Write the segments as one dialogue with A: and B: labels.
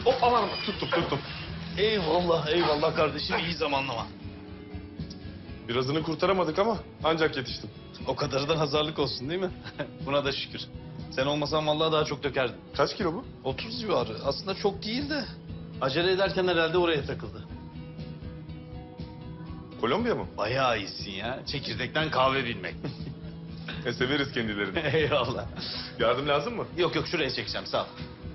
A: Hop aman tuttum.
B: Eyvallah eyvallah kardeşim, iyi zamanlama.
A: Birazını kurtaramadık ama ancak yetiştim.
B: O kadarı da nazarlık olsun değil mi? Buna da şükür. Sen olmasan vallahi daha çok dökerdin.
A: Kaç kilo bu?
B: 30 civarı. Aslında çok değil de. Acele ederken herhalde oraya takıldı.
A: Kolombiya mı?
B: Bayağı iyisin ya. Çekirdekten kahve bilmek.
A: Severiz kendilerini.
B: Eyvallah.
A: Yardım lazım mı?
B: Yok yok, şuraya çekeceğim, sağ ol.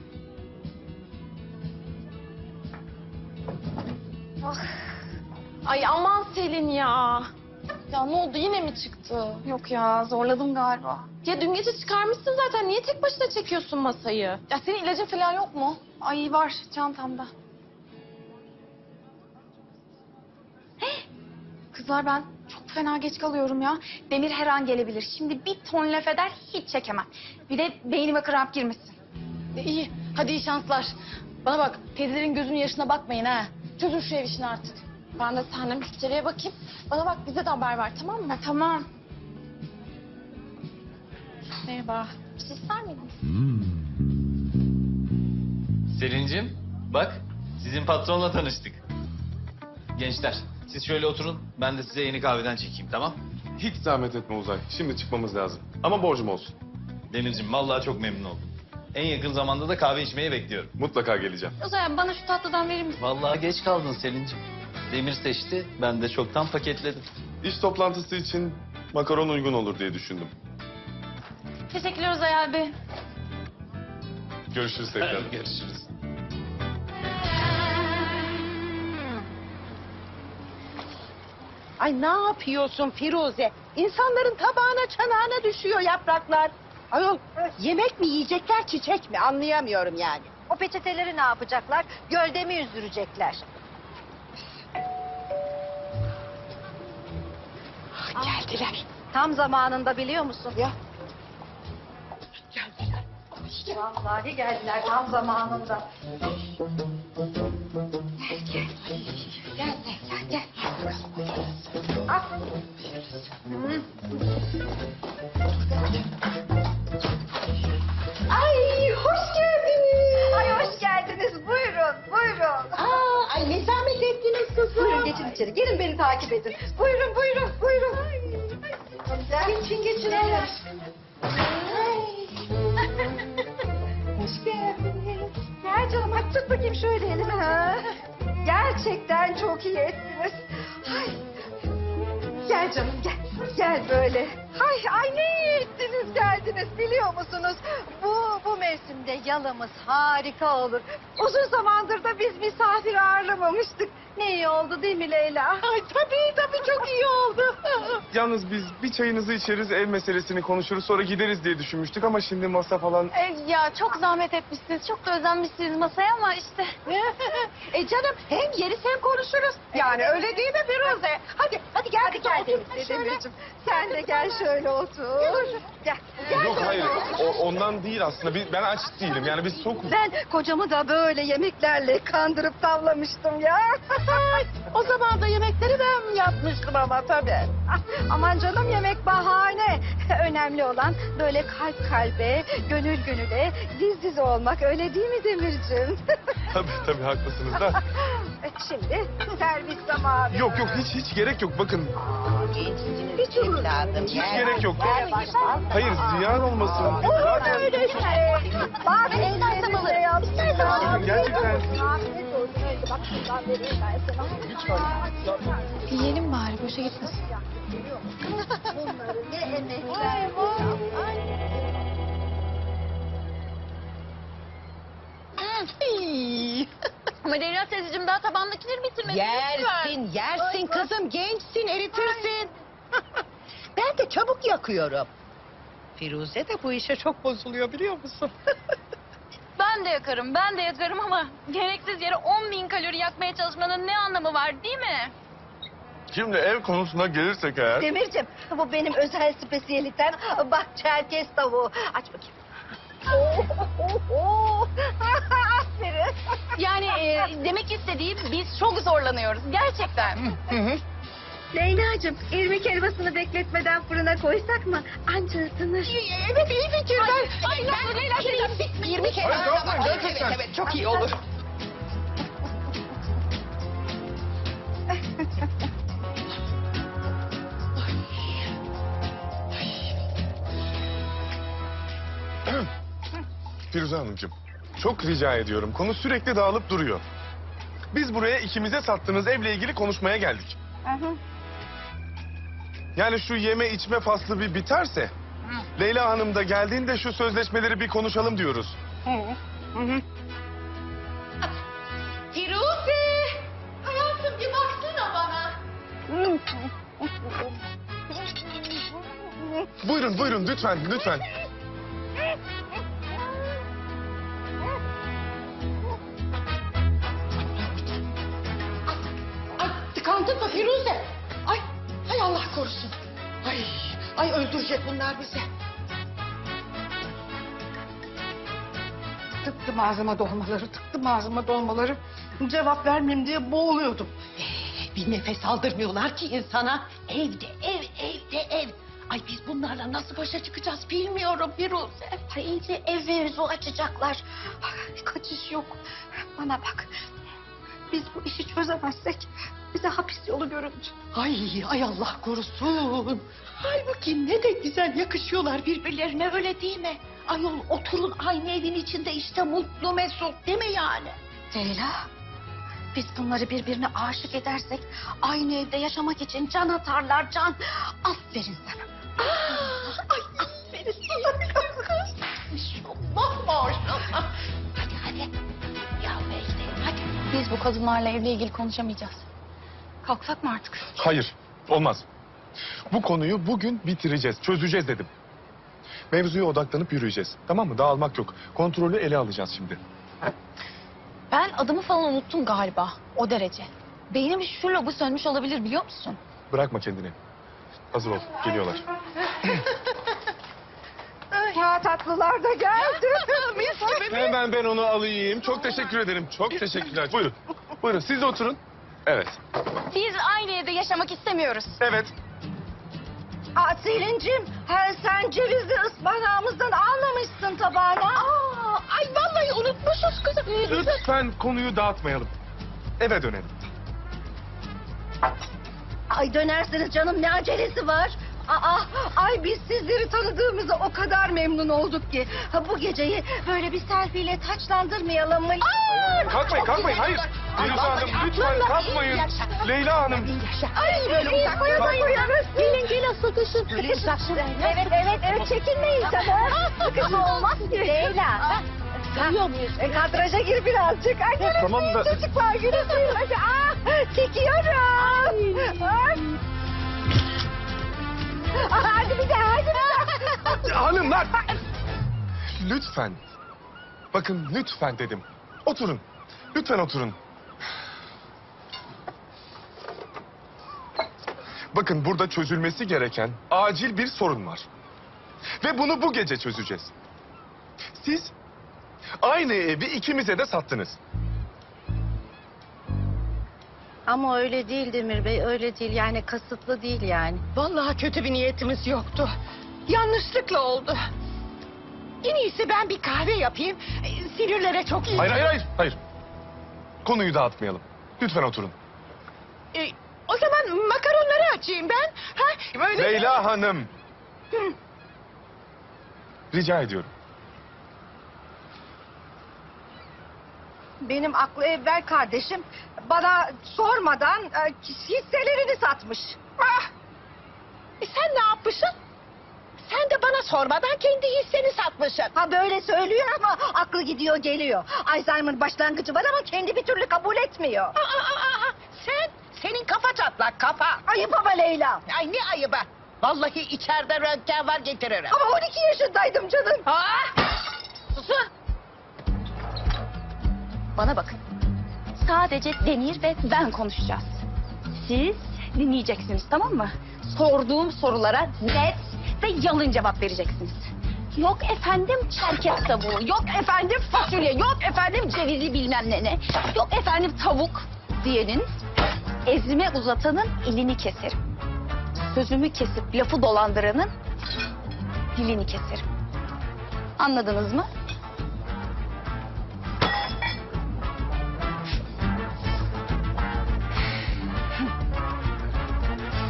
C: Ay aman Selin ya. Ya ne oldu, yine mi çıktı?
D: Yok ya, zorladım galiba.
C: Ya dün gece çıkarmışsın zaten, niye tek başına çekiyorsun masayı?
D: Ya senin ilacın falan yok mu? Ay var çantamda. Kızlar ben çok fena geç kalıyorum ya. Demir her an gelebilir. Şimdi bir ton laf eder hiç çekemem. Bir de beynime kramp girmesin.
C: İyi, hadi iyi şanslar. Bana bak, teyzelerin gözünün yaşına bakmayın ha. Çözün şu ev işini artık. Ben de seninle müşteriye bakayım. Bana bak, bize de haber ver, tamam mı?
D: Tamam.
C: Merhaba. Bir şey ister miydin?
B: Selin'cim, bak sizin patronla tanıştık. Gençler, siz şöyle oturun. Ben de size yeni kahveden çekeyim, tamam?
A: Hiç zahmet etme Uzay. Şimdi çıkmamız lazım. Ama borcum olsun.
B: Demir'cim, vallahi çok memnun oldum. En yakın zamanda da kahve içmeyi bekliyorum.
A: Mutlaka geleceğim.
D: O zaman bana şu tatlıdan verir misin?
B: Vallahi geç kaldın Selin'cim. Demir seçti, ben de çoktan paketledim.
A: İş toplantısı için makaron uygun olur diye düşündüm.
D: Teşekkürler Uzay abi.
A: Görüşürüz tekrar.
B: Görüşürüz.
E: Ay ne yapıyorsun Firuze? İnsanların tabağına çanağına düşüyor yapraklar. Ayol yemek mi yiyecekler çiçek mi anlayamıyorum yani.
F: O peçeteleri ne yapacaklar? Gölde mi yüzdürecekler?
E: Geldiler.
F: Tam zamanında biliyor musun?
E: Ya.
F: Geldiler. Vallahi geldiler tam zamanında. Gel. Al. Hı. Ay hoş geldiniz. Ay hoş geldiniz. Buyurun.
E: Ay ne zahmet ettiniz kızım.
F: Buyurun geçin içeri. Gelin beni takip edin. Buyurun. Geçin. Hoş geldiniz. Gel canım hadi tut bakayım şöyle elimi. Ha. Gerçekten çok iyi ettiniz. Ay. Gel canım gel. Gel böyle. Ay ne iyi ettiniz geldiniz biliyor musunuz? Bu mevsimde yalımız harika olur. Uzun zamandır da biz misafir ağırlamamıştık. Ne iyi oldu değil mi Leyla?
E: Ay tabii çok iyi oldu.
A: Yalnız biz bir çayınızı içeriz, ev meselesini konuşuruz, sonra gideriz diye düşünmüştük ama şimdi masa falan...
D: Ya çok zahmet etmişsiniz. Çok da özenmişsiniz masaya ama işte.
E: Canım hem yeriz hem konuşuruz. Yani öyle değil mi Firuze? Hadi gel
F: Hadi gel Demirciğim. Sen de gel şöyle otur. Gel.
A: Yok hayır, ondan değil aslında. Ben aç değilim, yani biz sokuz.
F: Ben kocamı da böyle yemeklerle kandırıp tavlamıştım ya.
E: O zaman da yemekleri ben yapmıştım ama tabii.
F: Aman canım yemek bahane. Önemli olan böyle kalp kalbe, gönül gönüle, diz diz olmak. Öyle değil mi Demirciğim?
A: Tabii haklısınız da.
F: Şimdi servis zamanı.
A: Yok hiç gerek yok, bakın.
E: Hiç evladım.
A: Hiç gerek yok. Hayır, ziyan olmasın.
F: Olur öyle şey. Bak elden alırım.
A: Bakın, gerçekten...
F: Afiyet olsun. Öyle bak şuradan vereyim ben sana.
D: Yiyelim bari, boşa gitmesin.
F: Bunları ne emekler.
C: Ama Leyla teyzeciğim, daha tabandakileri bitirmedin.
E: Yersin kızım gençsin eritirsin. Ben de çabuk yakıyorum. Firuze de bu işe çok bozuluyor biliyor musun?
C: Ben de yakarım ama gereksiz yere 10.000 kalori yakmaya çalışmanın ne anlamı var değil mi?
A: Şimdi ev konusuna gelirsek eğer...
F: Demirciğim bu benim özel spesiyelitem. Bak çerkez tavuğu. Aç bakayım. Aferin.
C: Yani demek istediğim, biz çok zorlanıyoruz gerçekten.
F: Leyla'cığım irmik helvasını bekletmeden fırına koysak mı? Anca ısınır.
E: Evet iyi fikir.
C: Ay ne olur Leyla teyze, 20 kere.
A: Hayır, gerçekten.
E: Evet çok iyi olur.
A: Firuze Hanımcığım, çok rica ediyorum. Konu sürekli dağılıp duruyor. Biz buraya ikimize sattığınız evle ilgili konuşmaya geldik. Yani şu yeme içme faslı bir biterse... Leyla Hanım da geldiğinde şu sözleşmeleri bir konuşalım diyoruz.
C: Firuze! Hayatım bir baksana bana.
A: Buyurun, buyurun lütfen, lütfen.
E: Ay tıkandın mı Firuze? Ay, hay Allah korusun. Ay öldürecek bunlar bizi.
F: Tıktım ağzıma dolmaları. Cevap vermeyeyim diye boğuluyordum.
E: Bir nefes aldırmıyorlar ki insana. Evde ev. Ay biz bunlarla nasıl başa çıkacağız bilmiyorum Firuze.
D: Ay iyice ev mevzu açacaklar. Ay, kaçış yok. Bana bak. Biz bu işi çözemezsek bize hapis yolu göründü.
E: Ay Allah korusun. Halbuki ne de güzel yakışıyorlar birbirlerine öyle değil mi? Ayol oturun aynı evin içinde işte mutlu mesut değil mi yani?
D: Leyla, biz bunları birbirine aşık edersek aynı evde yaşamak için can atarlar can. Aferin sana.
E: Ay aferin sana kız. Maşallah maşallah. Hadi. Ya Mecdi hadi.
C: Biz bu kadınlarla evle ilgili konuşamayacağız. Kalksak mı artık?
A: Hayır, olmaz. Bu konuyu bugün bitireceğiz, çözeceğiz dedim. Mevzuya odaklanıp yürüyeceğiz. Tamam mı? Dağılmak yok. Kontrolü ele alacağız şimdi.
C: Ben adımı falan unuttum galiba. O derece. Beynim şu lobu sönmüş olabilir biliyor musun?
A: Bırakma kendini. Hazır ol, geliyorlar.
F: Ya tatlılar da geldi.
A: Hemen ben onu alayım. Çok teşekkür ederim. Çok teşekkürler. Buyurun. Buyurun siz de oturun. Evet.
C: Biz aynı evde yaşamak istemiyoruz.
A: Evet.
F: Selin'cim sen cevizli ıspanağımızdan almamışsın tabağına.
E: Ay vallahi unutmuşuz kızım.
A: Lütfen konuyu dağıtmayalım. Eve dönelim.
F: Ay dönersiniz canım ne acelesi var? Ay biz sizleri tanıdığımıza o kadar memnun olduk ki. Bu geceyi böyle bir selfie'yle taçlandırmayalım mı?
A: Kalkmayın. Hayır. Firuze Hanım lütfen kalkmayın. Leyla Hanım.
F: Ay böyle uzak koyarız. Gelin sıkışın. Evet çekinmeyin tabii. Sıkışma olmaz ki. Leyla. Duyuyor muyuz? Kadraja gir birazcık. Ay gülümseyin
A: Tamam da-
F: çocuklar gülümseyin. Hadi çekiyorum. Ay. Hadi bir daha.
A: Hanımlar. Lütfen. Bakın lütfen dedim. Oturun. Lütfen oturun. Bakın burada çözülmesi gereken acil bir sorun var. Ve bunu bu gece çözeceğiz. Siz aynı evi ikimize de sattınız.
F: Ama öyle değil Demir Bey, öyle değil. Yani kasıtlı değil yani.
E: Vallahi kötü bir niyetimiz yoktu. Yanlışlıkla oldu. En iyisi ben bir kahve yapayım. Sinirlere çok iyi.
A: Hayır. Konuyu dağıtmayalım. Lütfen oturun.
E: O zaman makaronları açayım ben. Ha, böyle...
A: Leyla Hanım. Rica ediyorum.
F: Benim aklı evvel kardeşim bana sormadan hisselerini satmış.
E: Sen ne yapmışsın? Sen de bana sormadan kendi hisseni satmışsın.
F: Ha böyle söylüyor ama aklı gidiyor geliyor. Alzheimer başlangıcı var ama kendi bir türlü kabul etmiyor.
E: Senin kafa çatlak kafa.
F: Ayıp ama Leyla.
E: Ay ne ayıbı. Vallahi içeride röntgen var getiririm.
F: Ama 12 yaşındaydım canım.
E: Susun.
C: Bana bakın. Sadece Demir ve ben konuşacağız. Siz dinleyeceksiniz tamam mı? Sorduğum sorulara net ve yalın cevap vereceksiniz. Yok efendim çerkez tavuğu, yok efendim fasulye, yok efendim cevizi bilmem ne. Yok efendim tavuk diyenin, ezme uzatanın elini keserim. Sözümü kesip lafı dolandıranın dilini keserim. Anladınız mı?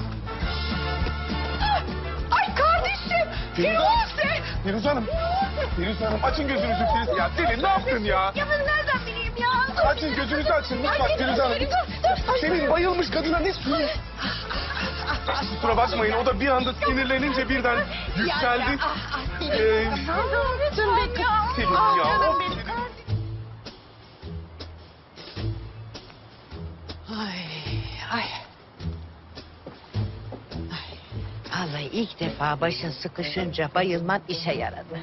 E: Ay kardeşim. Firuze.
A: Firuze Hanım. Firuz Hanım açın gözünüzü Firuz. Ya Selin ne yaptın ya?
C: Ya ben nereden bileyim ya?
A: Açın gözünüzü açın lütfen Firuz Hanım. Selin bayılmış kadına ne su? Kusura bakmayın o da bir anda sinirlenince birden yükseldi.
C: Canım benim ya.
A: Selin ya.
C: Canım benim.
E: Ay, ay. Vallahi ilk defa başın sıkışınca bayılman işe yaradı.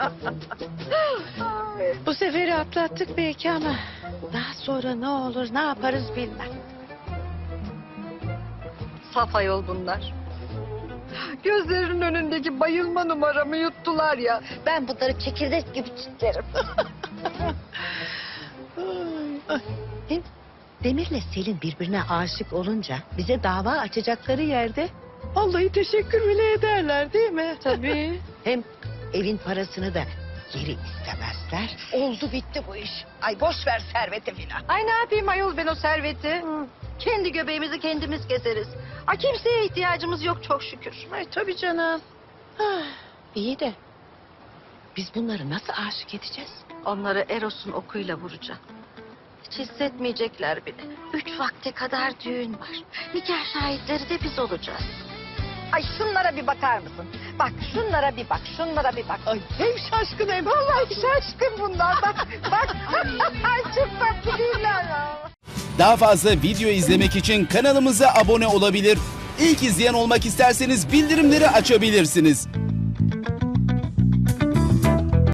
E: Bu seferi atlattık belki ama daha sonra ne olur ne yaparız bilmem.
F: Saf ayol bunlar. Gözlerinin önündeki bayılma numaramı yuttular ya. Ben bunları çekirdek gibi çitlerim.
E: Hem Demir'le Selin birbirine aşık olunca bize dava açacakları yerde vallahi teşekkür bile ederler değil mi?
F: Tabii.
E: Hem evin parasını da geri istemezler. Oldu bitti bu iş. Ay boş ver serveti filan.
F: Ay ne yapayım ayol ben o serveti? Kendi göbeğimizi kendimiz keseriz. Ay kimseye ihtiyacımız yok çok şükür.
E: Ay tabii canım. İyi de biz bunları nasıl aşık edeceğiz?
F: Onları Eros'un okuyla vuracağım. Hiç hissetmeyecekler bile. 3 vakte kadar düğün var. Nikah şahitleri de biz olacağız. Ay şunlara bir bakar mısın? Bak şunlara bir bak, şunlara bir bak.
E: Ay hem şaşkın hem
F: Vallahi şaşkın bunlar. Bak, bak. Ay çok tatlı değiller ya.
G: Daha fazla video izlemek için kanalımıza abone olabilir. İlk izleyen olmak isterseniz bildirimleri açabilirsiniz.